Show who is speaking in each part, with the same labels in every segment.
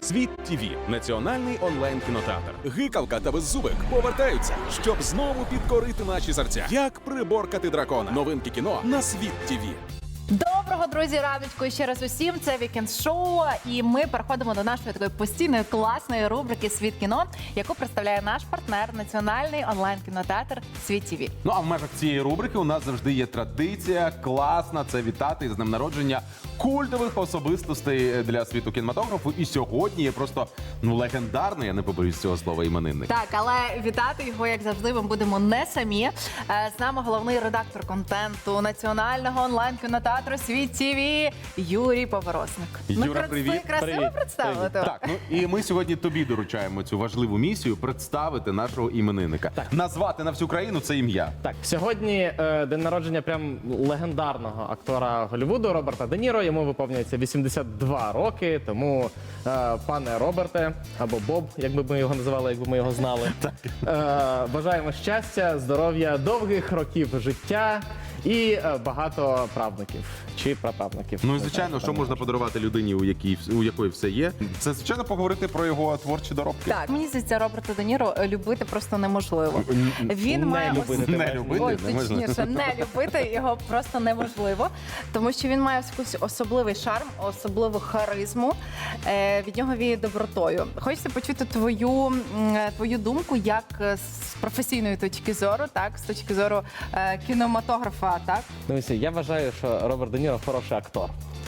Speaker 1: Світ ТВ – національний онлайн-кінотеатр.
Speaker 2: Гикалка та Беззубик повертаються, щоб знову підкорити наші серця. Як приборкати дракона? Новинки кіно на Світ ТВ.
Speaker 3: Доброго, друзі, раночку ще раз усім. Це Вікенд Шоу, і ми переходимо до нашої такої постійної класної рубрики «Світ кіно», яку представляє наш партнер, національний онлайн-кінотеатр «Світ ТВ».
Speaker 4: Ну а в межах цієї рубрики у нас завжди є традиція класна. Це вітати з днем народження культових особистостей для світу кінематографу. І сьогодні є просто легендарний, я не побоюсь цього слова, іменинник.
Speaker 3: Так, але вітати його, як завжди, ми будемо не самі. З нами головний редактор контенту національного онлайн-кінотеатру «Світ ТВ» Юрій Поворосник.
Speaker 4: Юра, привіт.
Speaker 3: Красиво представили тебе.
Speaker 4: Так, ну і ми сьогодні тобі доручаємо цю важливу місію представити нашого іменинника. Назвати на всю країну це ім'я.
Speaker 5: Так, сьогодні день народження прям легендарного актора Голлівуду Роберта Де Ніро. Йому виповнюється 82 роки, тому пане Роберте, або Боб, як би ми його називали, якби ми його знали. Бажаємо щастя, здоров'я, довгих років життя і багато правнуків чи праправнуків.
Speaker 4: Ну і звичайно, що можна подарувати людині, у якої все є. Це, звичайно, поговорити про його творчі доробки.
Speaker 3: Так, мені здається, Роберта Де Ніро любити просто неможливо. Він має
Speaker 4: Не любити,
Speaker 3: Ой,
Speaker 4: не можна.
Speaker 3: точніше, не любити його просто неможливо, тому що він має якийсь особливий шарм, особливу харизму. Від нього віє добротою. Хочеться почути твою думку, як з професійної точки зору, так, з точки зору кінематографа, так?
Speaker 5: Дивіться, я вважаю, що Роберт Де Ніро хороший актор.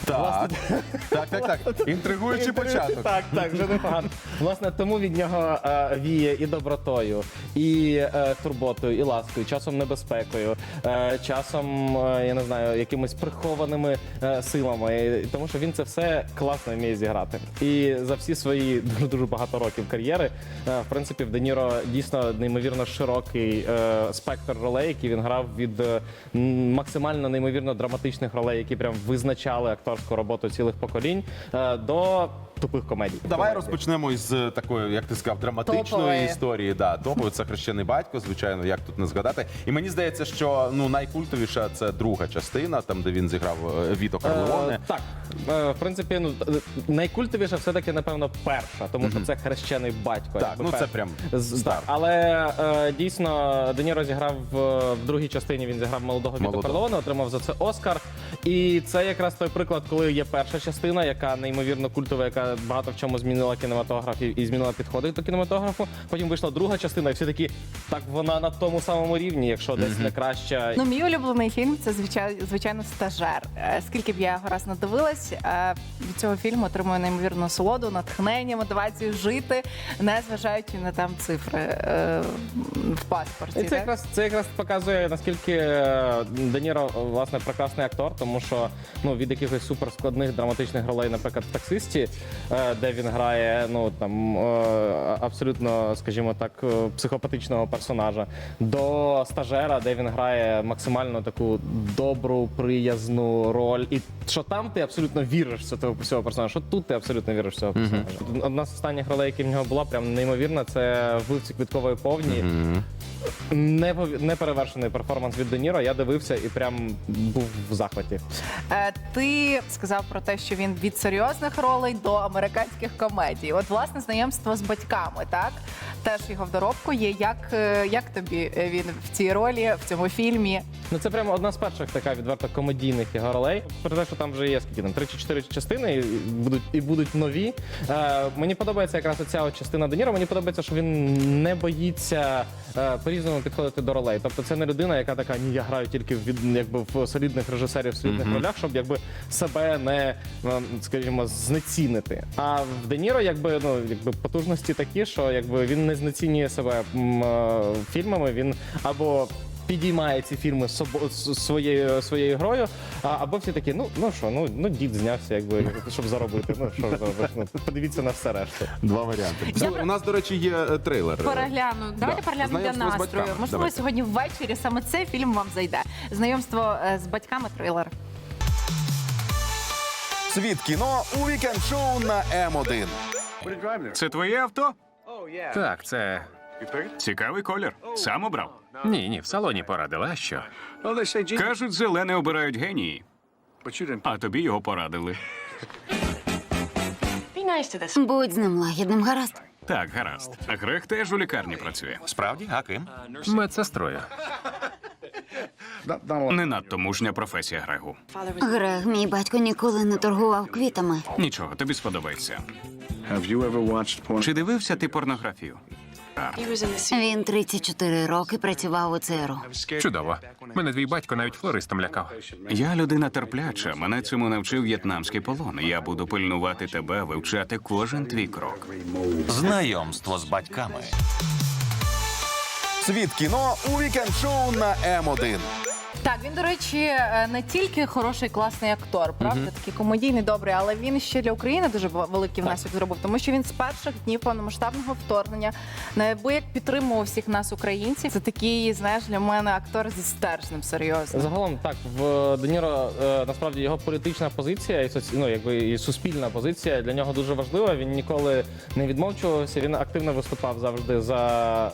Speaker 4: Так. Інтригуючий початок.
Speaker 5: Так, вже непогано. Власне, тому від нього віє і добротою, і турботою, і ласкою, часом небезпекою, часом, я не знаю, якимись прихованими силами. Тому що він це все класно вміє зіграти. І за всі свої дуже багато років кар'єри, в принципі, в Де Ніро дійсно неймовірно широкий спектр ролей, які він грав від максимально неймовірно драматичних ролей, які прям визначали акторську роботу цілих поколінь, до тупих комедій.
Speaker 4: Давай розпочнемо із такої, як ти сказав, драматичної
Speaker 3: Топової.
Speaker 4: історії. Да, топової. Це «Хрещений батько», звичайно, як тут не згадати. І мені здається, що найкультовіша це друга частина, там, де він зіграв Віто Корлеоне.
Speaker 5: Так, в принципі, найкультовіша все-таки, напевно, перша, тому що це «Хрещений батько».
Speaker 4: Так,
Speaker 5: якби
Speaker 4: це прям
Speaker 5: Так,
Speaker 4: старт.
Speaker 5: але дійсно Де Ніро зіграв в другій частині, він зіграв молодого Віто Корлеоне, отримав за це Оскар. І це якраз той приклад, коли є перша частина, яка неймовірно культова, яка багато в чому змінила кінематограф і змінила підходи до кінематографу. Потім вийшла друга частина, і всі такі, так вона на тому самому рівні, якщо десь не краща.
Speaker 3: Ну, мій улюблений фільм – це, звичайно, «Стажер». Скільки б я його раз надивилась, від цього фільму отримую неймовірну насолоду, натхнення, мотивацію жити, не зважаючи на там цифри в паспорті.
Speaker 5: І це якраз показує, наскільки Де Ніро, власне, прекрасний актор, тому що від якихось суперскладних драматичних ролей, наприклад, в «Таксисті», де він грає абсолютно, скажімо так, психопатичного персонажа, до «Стажера», де він грає максимально таку добру, приязну роль. І що там ти абсолютно віриш в цього персонажа, що тут ти абсолютно віриш в цього персонажа. Одна з останніх ролей, які в нього була, прям неймовірна, це «Вбивці квіткової повні». Неперевершений перформанс від Де Ніро. Я дивився і прям був в захваті.
Speaker 3: Ти сказав про те, що він від серйозних ролей до американських комедій. От, власне, знайомство з батьками, так? Теж його в доробку є. Як тобі він в цій ролі, в цьому фільмі?
Speaker 5: Ну, це прямо одна з перших така відверто комедійних його ролей. Про те, що там вже є скільки там 3 чи 4 частини і будуть нові. Мені подобається якраз оця частина Де Ніро. Мені подобається, що він не боїться по-різному підходити до ролей. Тобто це не людина, яка така, ні, я граю тільки в солідних режисерів, в солідних ролях, щоб себе не, скажімо, знецінити. А в Де Ніро потужності такі, що він не знецінює себе фільмами, він або підіймає ці фільми своєю грою, або всі такі, дід знявся, щоб заробити. Що зробиш? Подивіться на все решту.
Speaker 4: Два варіанти. У нас, до речі, є трейлер.
Speaker 3: Перегляну. Давайте переглянемо для
Speaker 4: Знайомство з
Speaker 3: настрою.
Speaker 4: батьками.
Speaker 3: Можливо,
Speaker 4: Давайте.
Speaker 3: сьогодні ввечері саме цей фільм вам зайде. Знайомство з батьками, трейлер.
Speaker 2: Світ кіно у вікенд-шоу на М1.
Speaker 6: Це твоє авто? Так, це цікавий колір. Сам обрав?
Speaker 7: Ні, в салоні порадила, а що?
Speaker 6: Кажуть, зелене обирають генії. А тобі його порадили.
Speaker 8: Будь з ним лагідним, гаразд.
Speaker 6: Так, гаразд. Грег теж у лікарні працює.
Speaker 7: Справді, а ким? Медсестрою.
Speaker 6: Не надто мужня професія Грегу.
Speaker 8: Грег, мій батько ніколи не торгував квітами.
Speaker 6: Нічого, тобі сподобається. Чи дивився ти порнографію?
Speaker 8: Він 34 роки працював у ЦРУ.
Speaker 7: Чудово. Мене твій батько навіть флористом лякав.
Speaker 6: Я людина терпляча. Мене цьому навчив в'єтнамський полон. Я буду пильнувати тебе, вивчати кожен твій крок.
Speaker 9: Знайомство з батьками.
Speaker 2: Світ кіно у вікенд-шоу на М1.
Speaker 3: Так, він, до речі, не тільки хороший класний актор, правда, такий комедійний, добрий, але він ще для України дуже великий внесок зробив, тому що він з перших днів повномасштабного вторгнення неабияк підтримував всіх нас, українців. Це такий, знаєш, для мене актор зі стержнем, серйозно.
Speaker 5: Загалом так, в Де Ніро насправді його політична позиція і і суспільна позиція для нього дуже важлива. Він ніколи не відмовчувався. Він активно виступав завжди за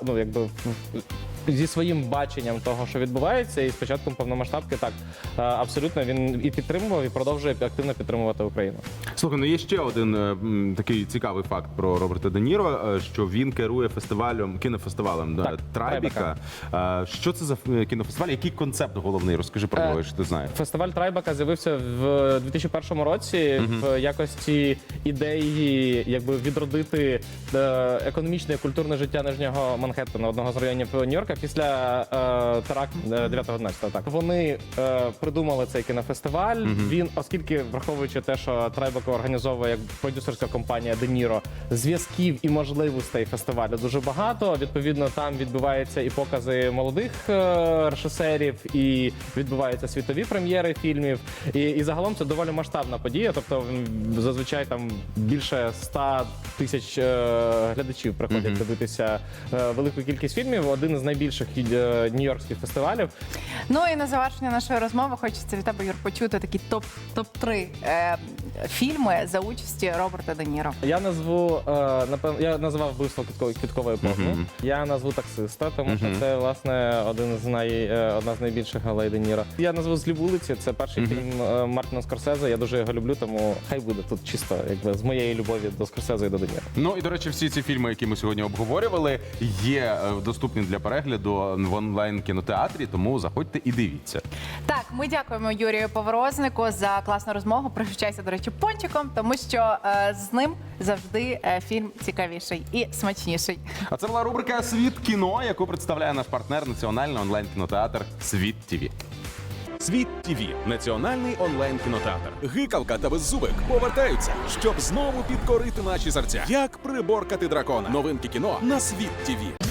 Speaker 5: зі своїм баченням того, що відбувається, і з початком повномасштабки так абсолютно він і підтримував, і продовжує активно підтримувати Україну.
Speaker 4: Слухай, ну є ще один такий цікавий факт про Роберта Де Ніро, що він керує кінофестивалем
Speaker 5: Так,
Speaker 4: Трайбека. Що це за кінофестиваль? Який концепт головний? Розкажи про нього, що ти знаєш.
Speaker 5: Фестиваль Трайбека з'явився в 2001 році в якості ідеї, якби відродити економічне і культурне життя Нижнього Манхеттена, одного з районів Нью-Йорка, після теракту 9-11. Так вони придумали цей кінофестиваль. Він, оскільки враховуючи те, що Трайбека організовує як продюсерська компанія Де Ніро, зв'язків і можливостей фестивалю дуже багато. Відповідно, там відбуваються і покази молодих режисерів, і відбуваються світові прем'єри фільмів. І загалом це доволі масштабна подія. Тобто зазвичай там більше 100 тисяч глядачів приходять дивитися велику кількість фільмів. Один з найбільших нью-йоркських фестивалів.
Speaker 3: Ну і на завершення нашої розмови хочеться від тебе, Юр, почути такі топ-3 фільми за участі Роберта Де Ніро.
Speaker 5: Я назву, напевно, я називав «Вбивство квіткової епохи». Я назву «Таксиста», тому що це, власне, одна з найбільших галей Де Ніро. Я назву «Злі вулиці», це перший фільм Мартіна Скорсезе, я дуже його люблю, тому хай буде тут чисто якби з моєї любові до Скорсезе і до Де Ніро.
Speaker 4: Ну і, до речі, всі ці фільми, які ми сьогодні обговорювали, є доступні для перегляду в онлайн-кінотеатрі, тому заходьте і дивіться.
Speaker 3: Так, ми дякуємо Юрію Поворознику за класну розмову. Пригощайся, до речі, пончиком, тому що з ним завжди фільм цікавіший і смачніший.
Speaker 4: А це була рубрика «Світ кіно», яку представляє наш партнер національний онлайн-кінотеатр «Світ ТВ».
Speaker 1: Світ ТВ – національний онлайн-кінотеатр.
Speaker 2: Гикавка та Беззубик повертаються, щоб знову підкорити наші серця. Як приборкати дракона. Новинки кіно на Світ ТВ.